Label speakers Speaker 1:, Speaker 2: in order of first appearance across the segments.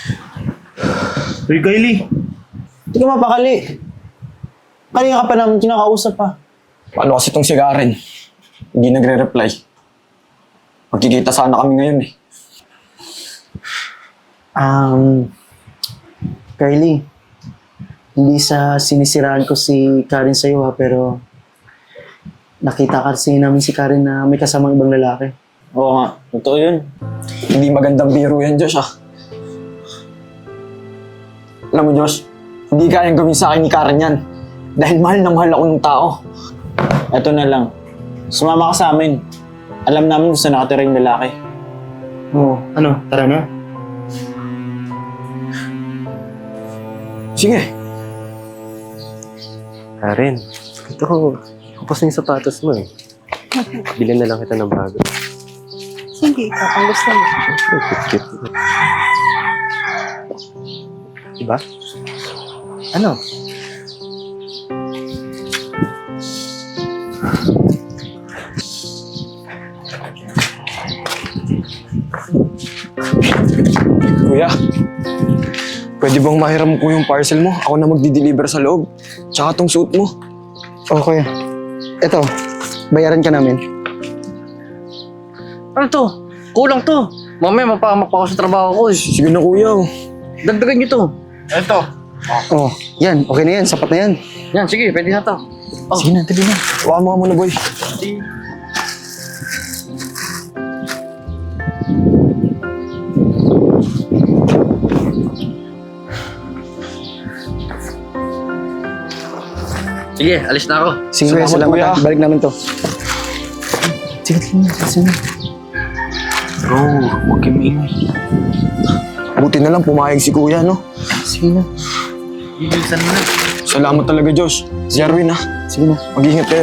Speaker 1: Uy, Kylie. Hindi ka mapakali. Kanina ka pa namin kinakausap pa.
Speaker 2: Paano kasi itong si Karen? Hindi nagre-reply. Magkikita sana kami ngayon eh.
Speaker 1: Kylie. Hindi sa sinisiraan ko si Karen sa'yo ha, pero nakita kasi namin si Karen na may kasamang ibang lalaki.
Speaker 3: Oo nga, totoo yun.
Speaker 2: Hindi magandang biro yan, Josh ah. Alam mo, Josh, hindi kayang gawin sa akin ni Karen yan. Dahil mahal na mahal ako ng tao.
Speaker 3: Eto na lang. Sumama ka sa amin. Alam namin kung saan nakatira yung lalaki.
Speaker 1: Oo, ano? Tara na.
Speaker 2: Sige.
Speaker 4: Karen, ito ko. Kapos na yung sapatos mo eh. Bilhan na lang kita ng bago.
Speaker 5: Sige, ikaw, ang gusto mo.
Speaker 4: Cute. Diba? Ano?
Speaker 2: Kuya, pwede bang mahiram ko yung parcel mo? Ako na magdi-deliver sa loob. Tsaka tong suit mo.
Speaker 1: Oo, kuya. Eto, bayaran ka namin.
Speaker 6: Ano to? Kulang to. Mamaya mapahamak pa ako sa trabaho ko eh.
Speaker 2: Sige na kuya. Oh.
Speaker 6: Dagdagan nyo to.
Speaker 3: Eto.
Speaker 1: Oh, yan. Okay na yan. Sapat na yan.
Speaker 6: Yan, sige, pwede na to.
Speaker 1: Sige na, tabi na.
Speaker 2: Hawakan mo nga muna, boy.
Speaker 6: Sige, alis na ako.
Speaker 1: Sige, kuya.
Speaker 2: Salamat,
Speaker 1: Salamat.
Speaker 2: kuya.
Speaker 1: Ha. Balik namin to. Sige, sige na.
Speaker 3: Bro, huwag kayo maingay.
Speaker 2: Buti na lang pumayag si kuya, no?
Speaker 1: Sige na.
Speaker 3: Ibilisan mo na.
Speaker 2: Salamat talaga, Josh. Si Arwin, ha?
Speaker 1: Sige na.
Speaker 2: Mag-ingat kayo.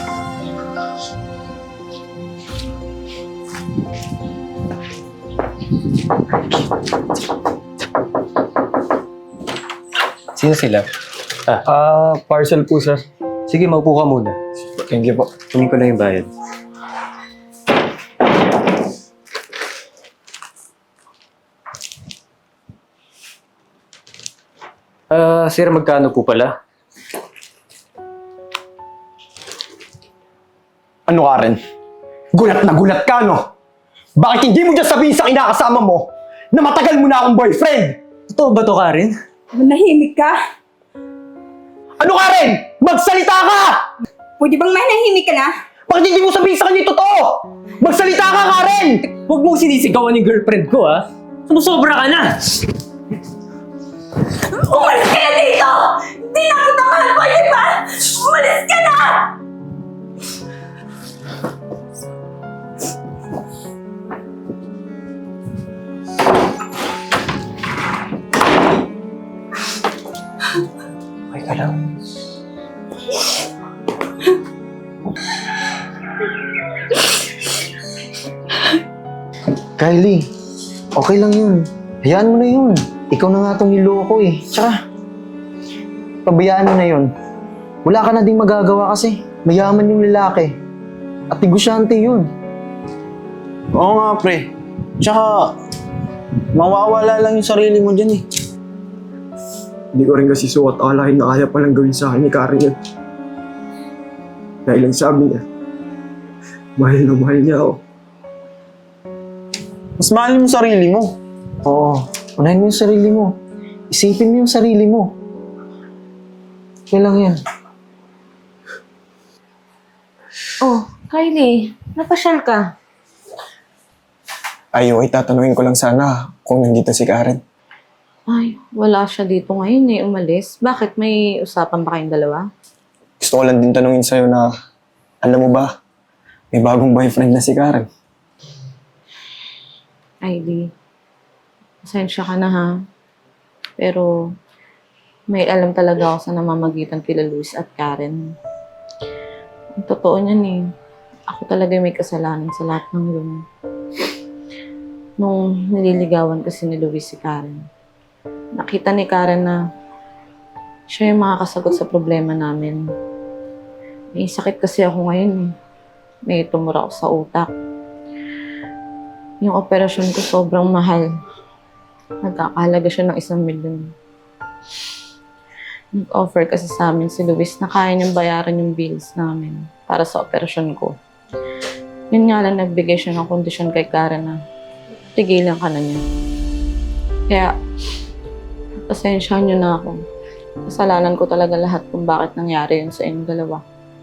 Speaker 4: Sino sila?
Speaker 2: Parcel po, sir.
Speaker 4: Sige, maupo ka muna.
Speaker 2: Thank you po.
Speaker 4: Kunin ko na yung bayad. Sir, magkano po pala?
Speaker 2: Ano, Karen? Gulat na gulat ka, no? Bakit hindi mo dyan sabihin sa kinakasama mo na matagal mo na akong boyfriend?
Speaker 4: Totoo ba to, Karen?
Speaker 5: Manahimik ka?
Speaker 2: Ano, Karen? Magsalita ka!
Speaker 5: Pwede bang manahimik ka na?
Speaker 2: Bakit hindi mo sabihin sa kanya yung totoo? Magsalita ka, Karen!
Speaker 4: Huwag mong sinisigawan yung girlfriend ko, ha? Sumusobra ka na!
Speaker 5: Umalis ka na dito! Hindi na kita mahal ko, di ba? Umalis ka na!
Speaker 1: Okay ka lang. Kylie, okay lang yun. Hayaan mo na yun. Ikaw na nga itong niloko eh. Tsaka, pabayaan mo na yun. Wala ka na ding magagawa kasi mayaman yung lalaki. At negosyante yun.
Speaker 3: Oo nga, pre. Tsaka, mawawala lang yung sarili mo dyan eh.
Speaker 2: Hindi ko rin kasi suwat alahin na kaya palang gawin sa akin ni Karen yun. Dahil ang sabi niya, mahal na mahal niya ako.
Speaker 3: Mas mahalin mo sarili mo.
Speaker 1: Oo, unahin mo yung sarili mo. Isipin mo yung sarili mo. Okay lang yan.
Speaker 7: Oh, Kylie, napasyal ka.
Speaker 2: Ay, okay, tatanungin ko lang sana kung nandito si Karen.
Speaker 7: Ay, wala siya dito ngayon eh, umalis. Bakit? May usapan ba kayong dalawa?
Speaker 2: Gusto ko lang din tanungin sa'yo na, alam mo ba, may bagong boyfriend na si Karen.
Speaker 7: Kylie, pasensya ka na ha. Pero, may alam talaga ako sa namamagitan kila Luis at Karen. Ang totoo niyan eh. Ako talaga may kasalanan sa lahat ng yun. Nung nililigawan kasi ni Luis si Karen, nakita ni Karen na siya yung makakasagot sa problema namin. May sakit kasi ako ngayon eh. May tumura ako sa utak. Yung operasyon ko sobrang mahal. Nagkakahalaga siya ng 1,000,000. Nag-offer kasi sa amin si Luis na kaya niyang bayaran yung bills namin para sa operasyon ko. Yun nga lang, nagbigay siya ng kondisyon kay Karen na tigilan ka na niya. Kaya, pasensyahan niyo na ako. Kasalanan ko talaga lahat kung bakit nangyari yun sa inyong dalawa.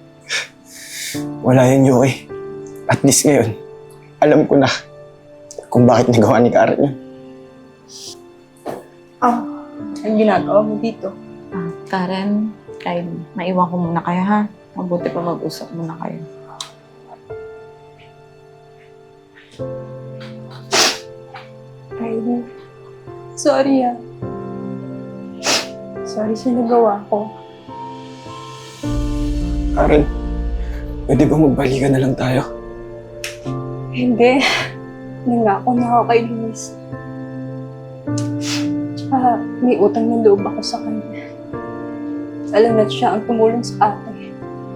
Speaker 2: Wala yun, Yuki. At least ngayon, alam ko na kung bakit nagawa ni Karen yun.
Speaker 5: Ang ginagawa mo dito?
Speaker 7: Karen, Kylie, maiwan ko muna kayo ha. Mabuti pa mag-usap muna kayo.
Speaker 5: Kylie, sorry ah. Sorry sa nagawa ko.
Speaker 2: Karen, pwede ba magbalikan na lang tayo?
Speaker 5: Hindi. Nangako na ako kay Luis. Tsaka may utang ng loob ako sa kanya. Alam na siya ang tumulong sa akin.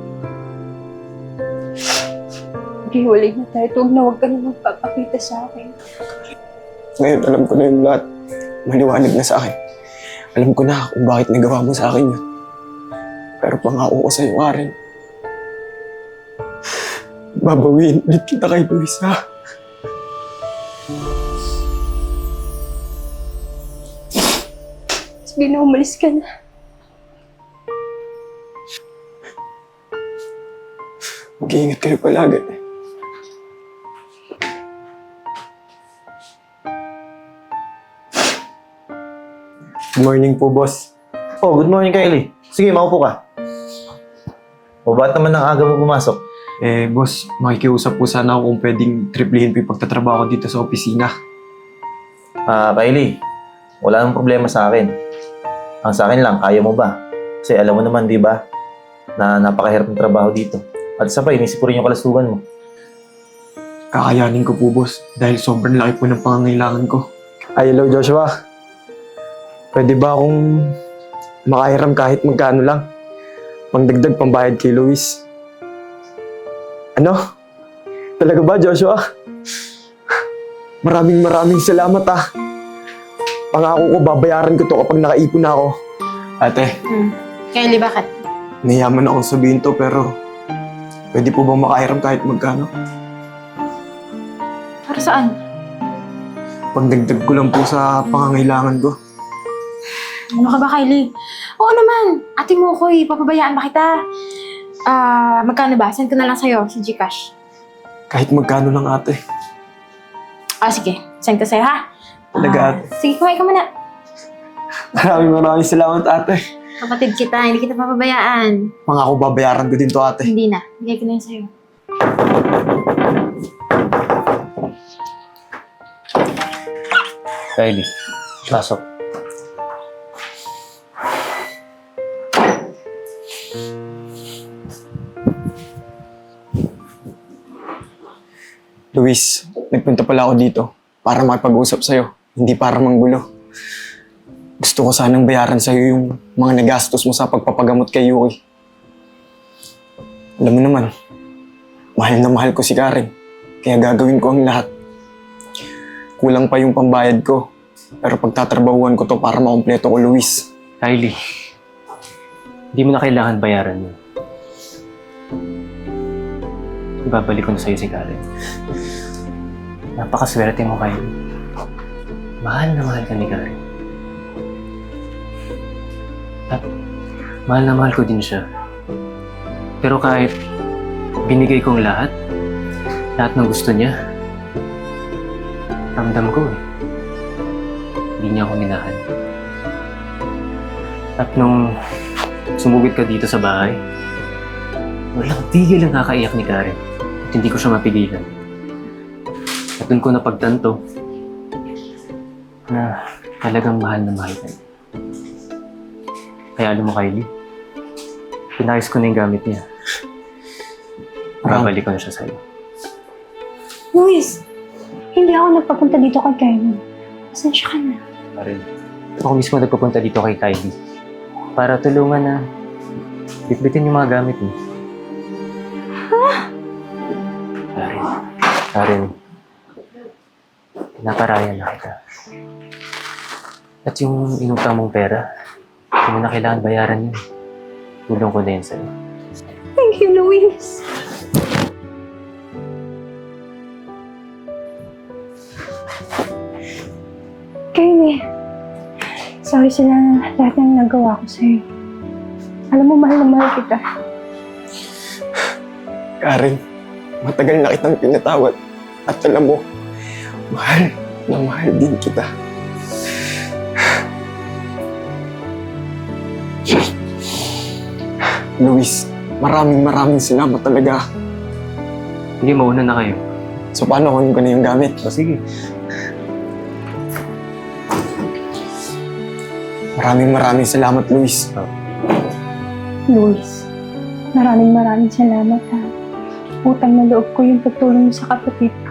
Speaker 5: Maghiwalay na tayo. Huwag ka na magpapakita sa akin.
Speaker 2: Ngayon, alam ko na yung lahat. Maliwanag na sa akin. Alam ko na kung bakit nagawa mo sa akin yun. Pero pangako ko sa'yo, Karen. Babawiin ulit kita kay Luis, ha?
Speaker 5: Sige na, umalis ka na.
Speaker 2: Mag-iingat kayo palagi. Good morning po, boss.
Speaker 3: Oh, good morning, Kylie. Sige, maupo ka. O, ba't naman ang aga mo pumasok?
Speaker 2: Boss, makikiusap po sana ako kung pwedeng triplihin po yung pagtatrabaho ko dito sa opisina.
Speaker 3: Kylie, wala nang problema sa akin. Ang sa akin lang, kaya mo ba? Kasi alam mo naman, di ba, na napakahirap ng trabaho dito. At isa pa, inisip ko rin yung kalasugan mo.
Speaker 2: Kakayanin ko po, boss, dahil sobrang laki po ng pangangailangan ko. Ay, hello, Joshua. Pwede ba akong makahiram kahit magkano lang? Pangdagdag pambayad kay Luis. Ano? Talaga ba, Joshua? Maraming salamat, ah. Pangako ko, babayaran ko to kapag nakaipon na ako. Ate,
Speaker 5: Kylie, bakit?
Speaker 2: nahiyaman akong sabihin to, pero pwede po bang makahiram kahit magkano?
Speaker 5: Para saan?
Speaker 2: Pagdagdag ko lang po sa pangangailangan ko.
Speaker 8: Ano ka ba, Kylie? Oo naman. Ate mo ko papabayaan ba kita? Magkano ba? Send ko na lang sa'yo sa Gcash.
Speaker 2: Kahit magkano lang, ate.
Speaker 8: Sige. Send ko sa'yo, ha?
Speaker 2: Talaga, ate.
Speaker 8: Sige, kumain ka muna.
Speaker 2: Maraming salamat, ate.
Speaker 8: Kapatid kita, hindi kita papabayaan.
Speaker 2: Pangako, babayaran ko din to, ate.
Speaker 8: Hindi na. Bigay ko na yun sa'yo.
Speaker 6: Kylie, pasok.
Speaker 2: Luis, nagpunta pala ako dito para makipag-usap sa'yo, hindi para manggulo. Gusto ko sanang bayaran sa'yo yung mga nagastos mo sa pagpapagamot kay Yuki. Alam mo naman, mahal na mahal ko si Karen, kaya gagawin ko ang lahat. Kulang pa yung pambayad ko, pero pagtatrabahuan ko to para makumpleto ko, Luis.
Speaker 4: Kylie, hindi mo na kailangan bayaran yun. Ibabalik ko na sa'yo si Karen. Napakaswerte mo, Kylie. Mahal na mahal ka ni Karen. At mahal na mahal ko din siya. Pero kahit binigay kong lahat ng gusto niya, ramdam ko hindi niya ako minahal. At nung sumugod ka dito sa bahay, walang tigil ang kakaiyak ni Karen. At hindi ko siya mapigilan. At doon ko napagtanto na talagang mahal na mahal ka niya. Kaya alam mo, Kylie, pinayos ko na yung gamit niya. Babalik ko na siya sa'yo.
Speaker 8: Luis, hindi ako nagpapunta dito kay Kylie. Pasensya ka na.
Speaker 4: Karen, ako mismo nagpupunta dito kay Kylie para tulungan na bitbitin yung mga gamit mo. Karen, pinaparaya na kita. At yung inutang mong pera, hindi mo na kailangan bayaran yun. Tulong ko na yun sa'yo.
Speaker 5: Thank you, Luis. Kylie, sorry sa lahat ng nagawa ko sa'yo. Alam mo, mahal na mahal kita.
Speaker 2: Karen, matagal na kitang pinatawad. At alam mo, mahal na mahal din kita. Luis, maraming salamat talaga.
Speaker 4: Sige, mauna na kayo.
Speaker 2: So paano kunin ko na yung gamit?
Speaker 4: O sige.
Speaker 2: Maraming salamat, Luis.
Speaker 5: Luis, maraming salamat ha. Utang na loob ko yung pagtulong mo sa kapatid ko.